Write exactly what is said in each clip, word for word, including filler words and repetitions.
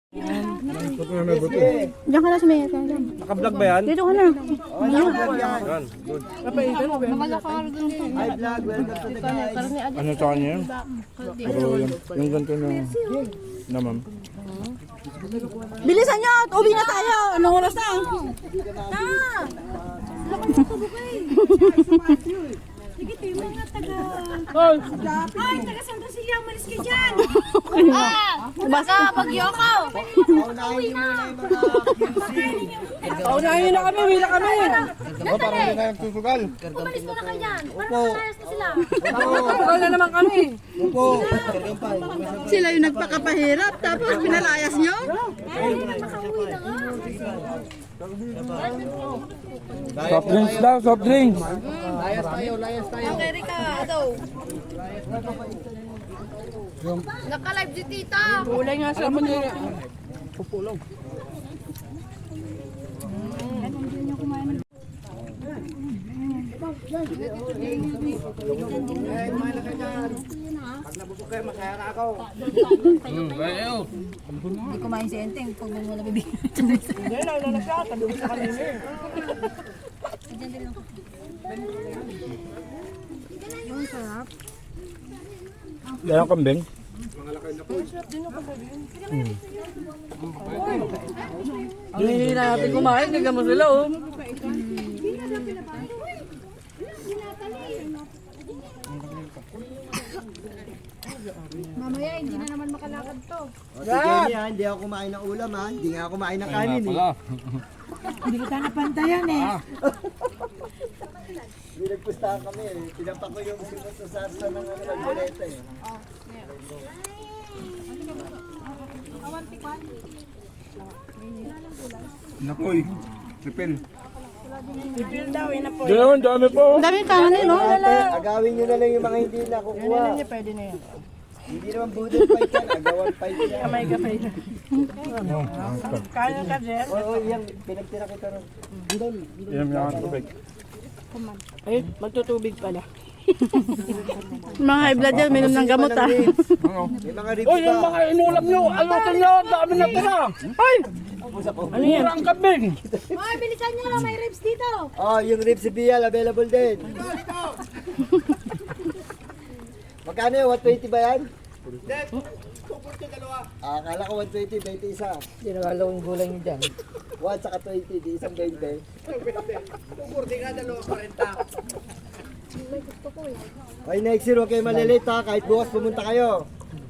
Diyan ka na sumingit ka dyan. Naka-vlog ba yan? Dito ka na. Yan, good. Hi vlog, welcome to the guys. Ano sa kanya yun? Pero yung, yung ganito na, na ma'am. Bilisan nyo! Uwi na tayo! Anong oras na? Na! Sige, tayo mga taga... Ay, taga Santa Cecilia, umalis ka dyan! Ah! Baka, pagyoko! Paunahin nyo muna yung mga Paunahin nyo na kami, wala kami. Oh, parang hindi na nagsusugal. Umalis muna kayo dyan! Parang malayas na sila! Wala na naman kami. Upo. Sila yung nagpakapahirap, tapos pinalayas nyo? Ay, makauwi na nga! Soft drinks daw, soft drinks. Okay, Rika, daw. Naka-live si tita! Kulay nga sa mga. Pag nabusog kayo, masaya na ako. Hindi kumain si Enteng pag mo na bibigyan. Hindi, lalo na siya. Tabi sa kanina eh. Yung sarap. Yan ang kambing. Hindi na natin kumain, tignan mo sila oh. Mamaya, hindi na naman makalakad to. O, si Jenny ha, hindi ako kumain ng ulam ha. Hindi nga ako kumain ng kanin eh. Hindi kita napantayan eh. Hindi nagpustahan kami eh. Pinapa ko yung simot sa sarsa ng ano, nagboleta eh. Nakoy, sipil. Sipil daw, yun na po. Diyan, dami po. Ang daming kanan eh, no? Ate, agawin nyo na lang yung mga hindi nakukuha. Hindi, pwede na yan. Hindi naman budol fight yan, agawan fight yan. Kamay kamay na. Kaya ka, Jer? Oo, oh, yan, pinagtira kita rin. Yan yung mga tubig. Ay, magtutubig pala. Mga high blood yan, minom ng gamot ah. May mga ribs Oh, yung pa. mga inulam nyo, alutin nyo, dami na tira. Ay! Ano yan? Murang kambing. Ay, bilisan nyo lang, may ribs dito. Oh, yung ribs si Bial, available din. Magkano yun? one twenty ba yan? Ah, akala ko one twenty, twenty isa. Hindi na yung gulay niyo dyan. one saka twenty, di isang twenty. Okay, next year, huwag kayo malilate ha. Kahit bukas pumunta kayo.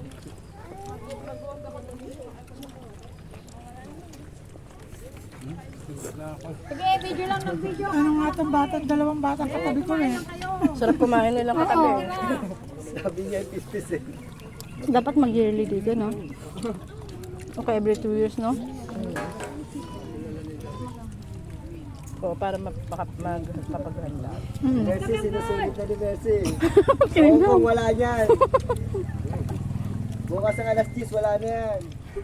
Sige, video lang ng video. Ano nga itong bata, dalawang batang katabi ko eh. Sarap kumain nila katabi. Sabi niya, fifty cent. Dapat mag-yearly dito, no? Okay, every two years, no? Oo, para magpapaghanda. Mercy, sinusulit na ni Mercy. Oo, kung wala niyan. Bukas ang alas diyes, wala na yan.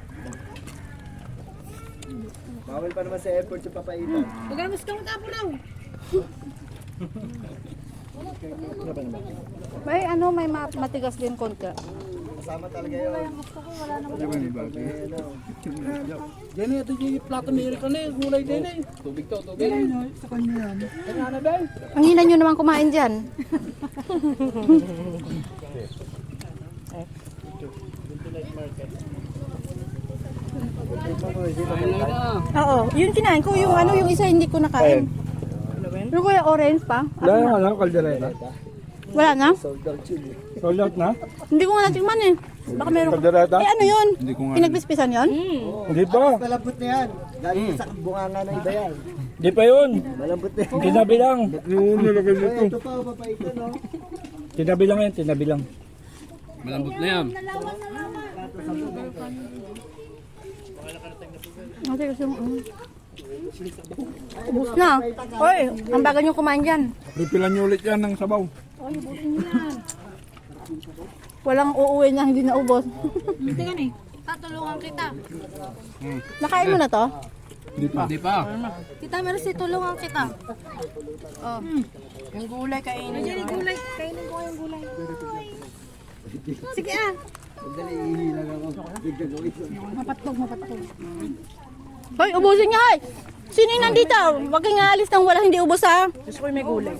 Bawal pa naman sa airport yung papaitan. Magamus ka mo tapo lang. May ano, may ma- matigas din konti. Kasama talaga yun. Eh, ano. Yan ito yung plato ni Erika na yung gulay din eh. Tubig to, tubig. Sa kanya yan. Kaya na ba? Ang hina nyo naman kumain dyan. Oo, yun kinain ko. Yung ano, yung isa hindi ko nakain. Yung kuya orange pa. Wala yung ano, kaldereta. Wala na? Sold out yun eh. Sold out na? Hindi ko nga natikman eh. Baka meron. Kaldereta? Eh ano yun? Hindi ko nga. Pinagpispisan yun? Hindi pa. Malambot na yan. Galing sa bunganga ng iba yan. Hindi pa yun. Malambot na yan. Tinabi lang. Yung nilagay Uy, ito pa, papaitan no. Tinabi lang yan, tinabi lang. Malambot na yan. Ate kasi yung ano. Ubus na. Oy, ang bagal nyo kumain dyan. Repilan nyo ulit yan ng sabaw. Walang uuwi na hindi na ubos. Tingnan eh. Tatulungan kita. Nakain mo na to? Hindi pa. Hindi pa. Tita, meron si tulungan kita. Oh. Yung gulay kainin Nandiyan yung gulay. Kainin ko yung gulay. Sige ah. Sandali, ihilang ako. Bigyan ko ito. Mapatlog, mapatlog. Hoy, ubusin niya, hoy! Sino yung nandito? Huwag kang aalis nang wala hindi ubos, ha? Gusto ko yung may gulay.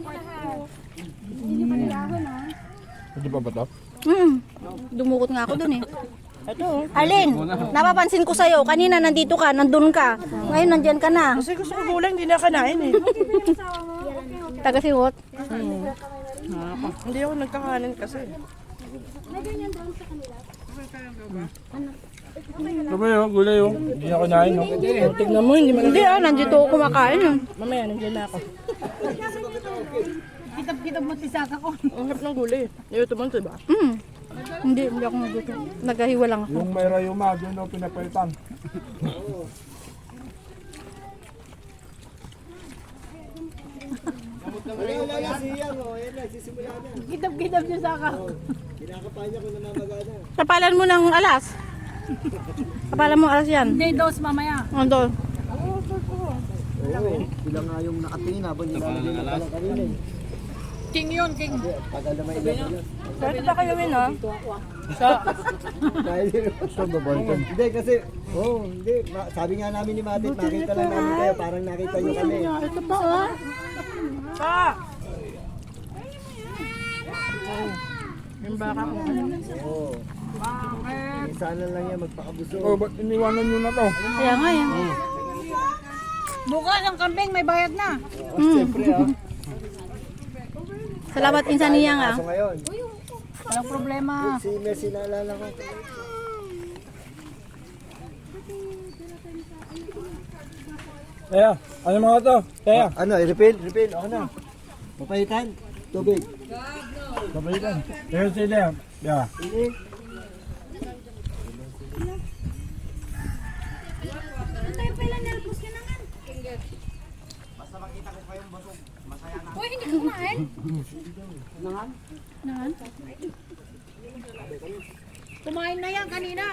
Hindi pa ba ito? Hmm. Dumukot nga ako dun eh. Ito. Arlene, napapansin ko sa'yo. Kanina nandito ka, nandun ka. Ngayon nandyan ka na. Kasi gusto ko gulay, hindi na kanain eh. Taga siwot. Hindi ako nagkakanin kasi. Sabi yun, gulay yun. Hindi na kinain. No? Tignan mo, hindi man. Hindi ah, nandito ako kumakain. ah. Mamaya, nandiyan na ako. Kitab-kitab mo tisaka ko. Ang harap ng gulay. Yung ito mo, diba? Hmm. Hindi, hindi ako nagluto. Naghahiwa lang ako. Yung may rayuma, doon ako pinapalitan. Wala, wala, siyang, oh. Ayan na, sisimula na. Kitab-kitab niya saka. Kinakapahan niya kung namamagana. Tapalan mo ng alas. Tapalan mo alas yan. Hindi, dos mamaya. Ano? Oo, sila nga yung nakatingin habang nilalagay na pala kanina eh. King yun, king. Tagal na may ilan yun. Pwede ba kayo yun, ha? Dahil yun. Hindi kasi, oh, hindi. Ma- Sabi nga namin ni Matit, nakita lang namin kayo. Parang nakita niyo kami. Ito pa, oh. Ah! Yung baka ko. Oo. Sana lang yan magpakabuso. Oh, ba't iniwanan nyo na to? Kaya nga yan. Bukas ang kambing, may bayad na. Hmm. Siyempre ah. Salamat insan niya nga. So ngayon, Walang problema. si Messi naalala ko. Kaya, ano mga to? Kaya, Ano, i-refill? Refill, ako na. Papahitan? Tubig. kapalitan. Kaya sila yan. Yeah. Hindi. Uy, hindi ka kumain. Kumain na yan kanina.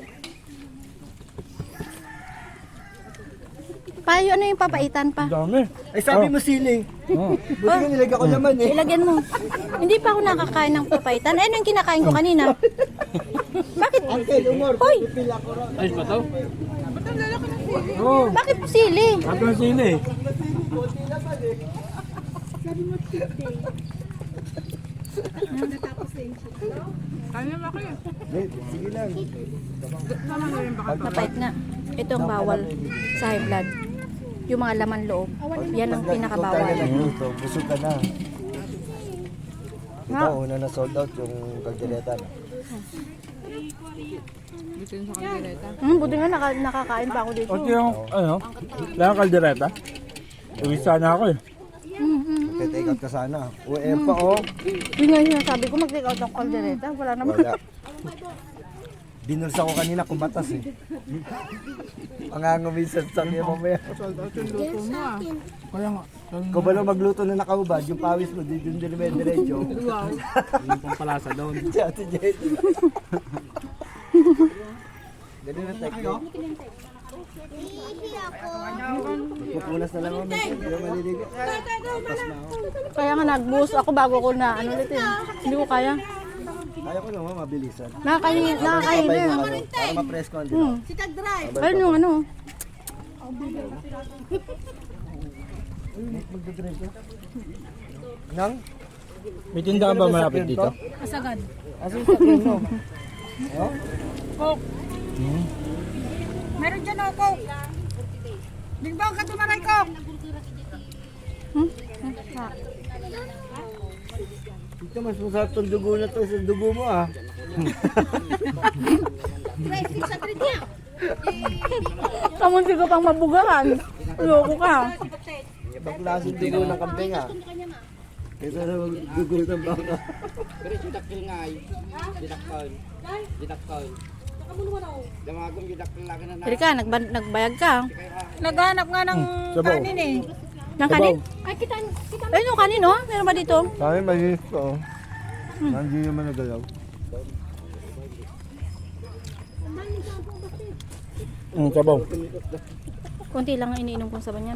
Payo, ano yung papaitan pa? Ang dami. Ay sabi mo sili. Oh. Buti nga nilagyan ko naman eh. Ilagyan mo. Hindi pa ako nakakain ng papaitan. Ano yung kinakain ko kanina? Bakit? Uncle, umor. Hoy! Refill ako ron. Ayos ba to? Oo. Bakit sili? Ako ang sili. Hindi, sige lang. Mapait nga. Ito ang bawal sa high blood. Yung mga laman loob. Yan ang pinakabawal. Ikaw tayo nagluto, busog ka na. Ito, una na sold out yung kaldereta. Hmm, buti nga naka, nakakain pa ako dito. Pati yung, ano, lang kaldereta. Uwi sana ako eh. Hmm, hmm. Take out ka sana. O eh pa oh. Yun nga yung sinasabi ko, mag-take out ng kaldereta. Wala naman. Wala. Binulsa ko kanina kumatas eh. Pangangumisan sa niya mamaya. Kaya nga. Kung ba lang magluto na nakaubad, yung pawis mo, di dun din may diretso. Yung pampalasa doon. Si Ate Jen. Ganun na technique. Magpupunas na lang ako, Messi. Hindi ako maliligo. Pas na ako. Kaya nga nag-boost ako bago ko na ano ulit eh. Hindi ko kaya. Kaya ko naman mabilisan. Nakakain, nakakain Kapay na. yung ano, para ma-press ko. Hindi Hmm. na. Ayun yung ano. Magdadrive ko. Nang? May tindahan ba malapit dito? Kasagad. Asan sa akin mo? Oh? Coke. Meron dyan ako, Coke. Bingbang ka tumaray, Coke. Hmm? Ito mas masarap tong dugo na to sa dugo mo ah. Kamunti ko pang mabugahan. Loko ka. Ibang klaseng dugo ng kambing ah. Kaysa na dugo ng baka. Pero didakil nga ay. Didakil. Didakil. Damagong didakil lagi na na. Halika, nagba- nagbayag ka. Naghanap nga ng Sabaw. kanin eh. Ng kanin? Ay, kita, kita. Ayun yung kanin, oh. Meron ba dito? Sa amin malinis ko oh. Hindi naman nagalaw. Mm, sabaw. Konti lang ang iniinom kong saban yan.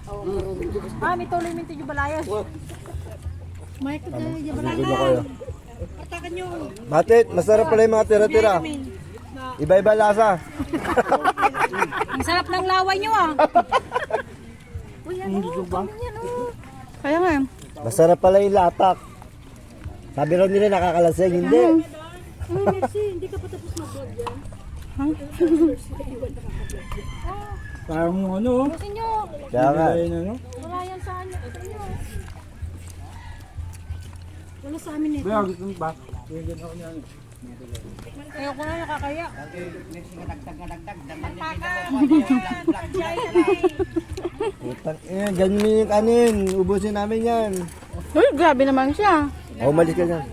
Ah, may tuloy minti yung balayas. Mike, Ano? Ano na kayo? Matit, masarap pala yung mga tira-tira. Iba-iba lasa. Ang sarap ng laway nyo ah. Kaya nga. Masarap pala yung latak. Sabi raw nila nakakalasing, hindi. Parang ano, Kaya nga. ayun ano. Wala yan sa ano. Wala sa amin eh. Kaya gusto mo ba? Ayoko na nakakaya. Putang ina, ganyan yung kanin. Ubusin namin yan. Uy, grabe naman siya. O, umalis ka dyan.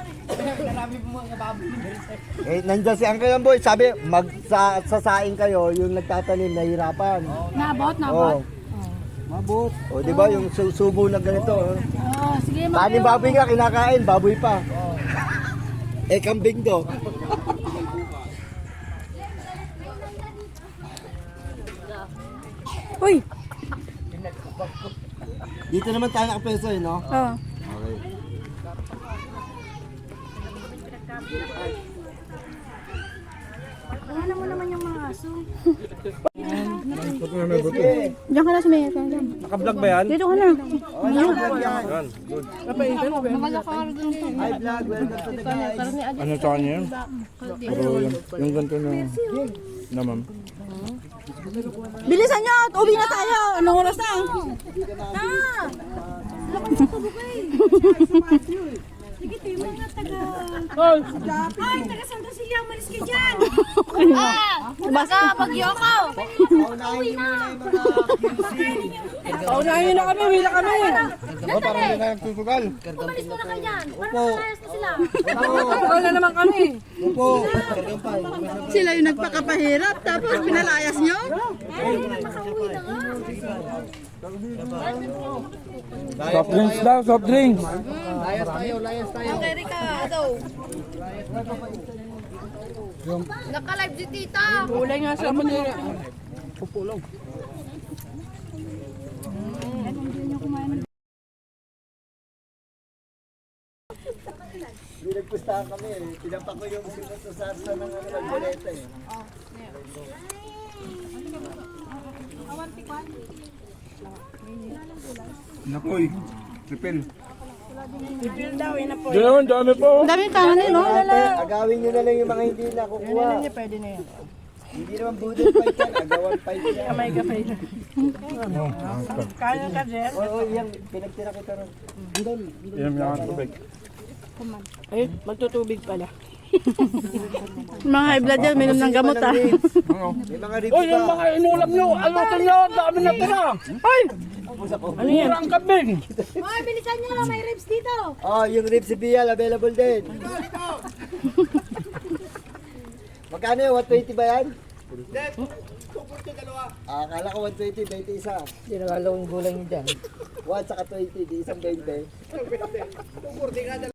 Eh, nandiyan si Uncle Amboy. Sabi, mag sa, sasaing kayo, yung nagtatanim, nahihirapan. Nabot, Oo. Mabot. O, di ba, yung su- subo na ganito. Oh. Oh, sige, Kanin baboy nga, kinakain, baboy pa. Eh, kambing do. Uy. Dito naman tayo nakapeso eh, no? Oh. Okay. Ano mo naman yung mga aso? Ito na may buto. Diyan ka na sumaya. Naka-vlog ba yan? Dito ka na. Yan, good. Hi vlog, welcome to the guys. Ano sa kanya yun? Pero yung, yung ganito na, na ma'am. Bilisan nyo! Uwi na tayo! Anong oras na? Ah! Sige, tayo mga taga... Ay, taga Santa Cecilia, umalis ka dyan! Ah! Baka pagyoko! Paunahin nyo muna yung mga Paunahin na kami, wala kami. O, parang hindi na nagtutugal. Umalis muna kayo dyan! Parang nakasayas na sila! Wala na naman kami. Opo. Kargampay. Sila yung nagpakapahirap tapos pinalayas nyo? Ay, makauwi na nga! Soft drinks daw, soft drinks. Okay, Ricardo! Naka-live si Tita! Kulay nga sa Manila. Hindi nagpustahan kami eh. Pinapa ko yung sinasasarsa ng ano, nagbaleta eh. Nakoy, tripil. Ipil daw, yun na po. Diyan naman, dami po. Dami tangan eh, no? Ate, agawin nyo na lang yung mga hindi nakukuha. Hindi pwede na yan. Hindi naman budol fight yan, agawan fight yan. Kamay ka pa yun. Oh, Kaya ka, Jer. Oo, oh, yan, pinagtira kita ron. Budol. Inom lang ang tubig. Ay, magtutubig pala. Mga high blood yan, minom ng gamot ah. Ano? May mga ribs Uy, yung pa. mga inulam nyo, alutin nyo, dami na tira. Ay! Ano yan? Murang kabing. Ay, bilisan nyo lang, may ribs dito! Oh, yung ribs si Bial, available din. Magkano yun? one twenty ba yan? Ah, akala ko one twenty, twenty isa. Hindi nagalawang gulay nyo dyan. one saka twenty, di isang twenty.